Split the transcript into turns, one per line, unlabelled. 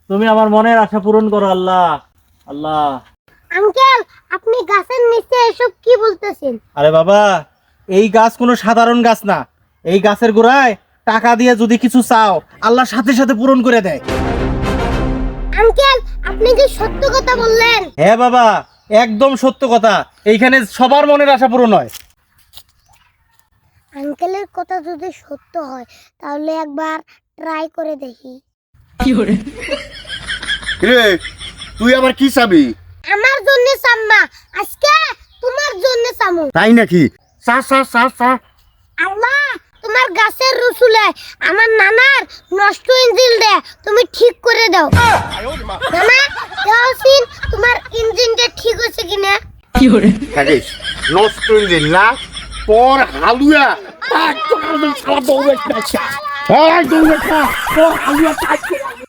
তুমি আমার মনের আশা পূরণ করো আল্লাহ। আল্লাহ।
আঙ্কেল, আপনি গাছের নিচে এসব কি বলতেছেন?
আরে বাবা, এই গাছ কোনো সাধারণ গাছ না। এই গাছের গোড়ায় টাকা দিয়ে যদি কিছু চাও, আল্লাহ সাথে সাথে পূরণ করে দেয়।
আঙ্কেল, আপনি কি সত্য কথা বললেন?
হ্যাঁ বাবা, একদম সত্য কথা। এইখানে সবার মনের আশা পূরণ হয়।
আঙ্কেলের কথা যদি সত্য হয় তাহলে একবার ট্রাই করে দেখি।
রে তুই আবার কি চাবি?
আমার জন্য সাম্মা, আজকে তোমার জন্য সামু।
তাই নাকি? চা চা চা চা।
আল্লাহ, তোমার গাছের রসুলে আমার নানার নষ্ট ইঞ্জিন দে তুমি ঠিক করে দাও। নানা, দেওয়াসিন তোমার ইঞ্জিনটা ঠিক হয়েছে কিনা?
থাকিস নষ্ট ইঞ্জিন না তোর হালুয়া দৌড়ে তোর হালুয়া